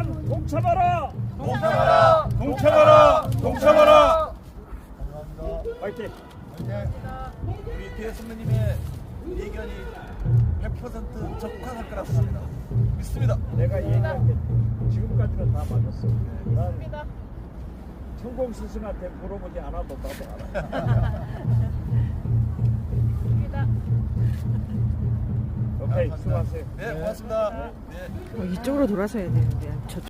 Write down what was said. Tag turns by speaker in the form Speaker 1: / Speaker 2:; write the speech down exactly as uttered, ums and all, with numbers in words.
Speaker 1: 여러분 동참하라.
Speaker 2: 동참하라! 동참하라! 동참하라!
Speaker 1: 화이팅.
Speaker 2: 우리 뒤에 선배님의 의견이 백 퍼센트 적합할 거라 생각합니다. 믿습니다.
Speaker 1: 내가 얘기한 게 지금까지는 다 맞았어. 난 천공 스승한테 물어보지 않아도 나도 알아. 오케이, 수고하세요.
Speaker 2: 네, 고맙습니다. 네.
Speaker 3: 어, 이쪽으로 돌아서야 되는데. 저